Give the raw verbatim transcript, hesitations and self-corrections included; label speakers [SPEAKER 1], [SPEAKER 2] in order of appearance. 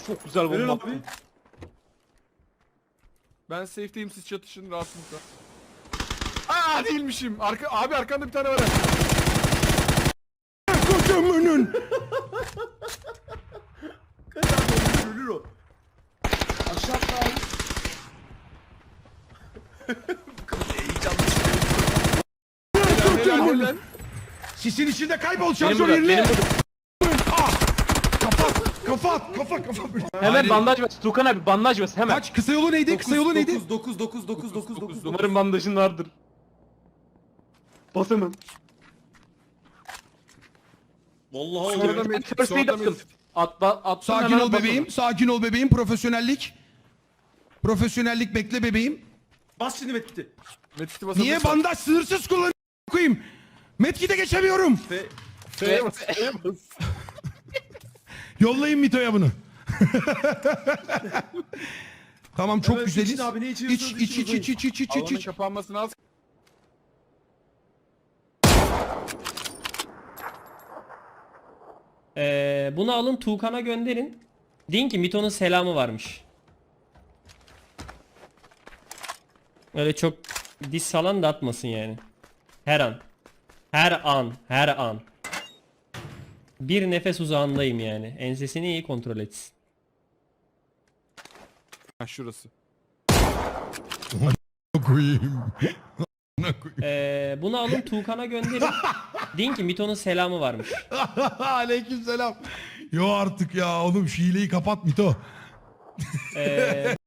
[SPEAKER 1] çok güzel
[SPEAKER 2] Verin
[SPEAKER 1] bomba
[SPEAKER 2] abi.
[SPEAKER 1] attım.
[SPEAKER 3] Ben safe'deyim, siz çatışın rahatlıkla. Aa değilmişim. Arka abi arkanda bir tane var.
[SPEAKER 4] Kocamanın.
[SPEAKER 2] Kaç abi ölür o. Aşağı atla abi.
[SPEAKER 3] Helal helal.
[SPEAKER 4] Sisin içinde kaybol
[SPEAKER 1] Benim
[SPEAKER 4] şarjör
[SPEAKER 1] burada,
[SPEAKER 4] yerine.
[SPEAKER 1] benim burada.
[SPEAKER 4] Ah! Kafa at, kafa at, kafa kafa.
[SPEAKER 1] Hemen
[SPEAKER 4] Hayır.
[SPEAKER 1] bandaj bas. Tukan abi bandaj bas hemen.
[SPEAKER 4] Kaç? Kısa yolu neydi? Kısa yolu neydi?
[SPEAKER 2] dokuz dokuz dokuz dokuz dokuz.
[SPEAKER 1] Umarım bandajın vardır. Bas hemen.
[SPEAKER 2] Vallahi
[SPEAKER 3] Sonra da
[SPEAKER 2] oluyor.
[SPEAKER 3] med-
[SPEAKER 1] First
[SPEAKER 3] sonra
[SPEAKER 1] aid
[SPEAKER 3] da
[SPEAKER 1] attım.
[SPEAKER 3] med-
[SPEAKER 1] Atla, attım
[SPEAKER 4] Sakin
[SPEAKER 1] hemen
[SPEAKER 4] ol
[SPEAKER 1] bas
[SPEAKER 4] bebeğim,
[SPEAKER 1] onu.
[SPEAKER 4] sakin ol bebeğim. Profesyonellik. Profesyonellik bekle bebeğim.
[SPEAKER 2] Bas şimdi Metti.
[SPEAKER 3] Medkit'i basalım.
[SPEAKER 4] Niye bandaj sınırsız kullanıyorum koyayım? Metkide geçemiyorum.
[SPEAKER 2] Ve
[SPEAKER 3] F'ye bas. F'ye bas.
[SPEAKER 4] Yollayın Mito'ya bunu. Tamam çok
[SPEAKER 2] Evet,
[SPEAKER 4] güzeliz.
[SPEAKER 2] için abi, ne
[SPEAKER 4] İç
[SPEAKER 2] içiyorsanız
[SPEAKER 4] iç iç
[SPEAKER 2] için
[SPEAKER 4] iç iç iç iç iç
[SPEAKER 3] Alanın
[SPEAKER 4] iç.
[SPEAKER 3] kapanmasını az.
[SPEAKER 5] Ee, bunu alın Tuğkan'a gönderin. Deyin ki Mito'nun selamı varmış. Öyle çok diss falan da atmasın yani. Her an. Her an. Her an. Bir nefes uzağındayım yani. Ensesini iyi kontrol etsin.
[SPEAKER 3] Ha şurası.
[SPEAKER 4] Koyayım.
[SPEAKER 5] Ee, bunu alın Tuğkan'a gönderin. Deyin ki Mito'nun selamı varmış.
[SPEAKER 4] Aleykümselam. Yo artık ya oğlum şu hileyi kapat Mito.
[SPEAKER 5] Ee,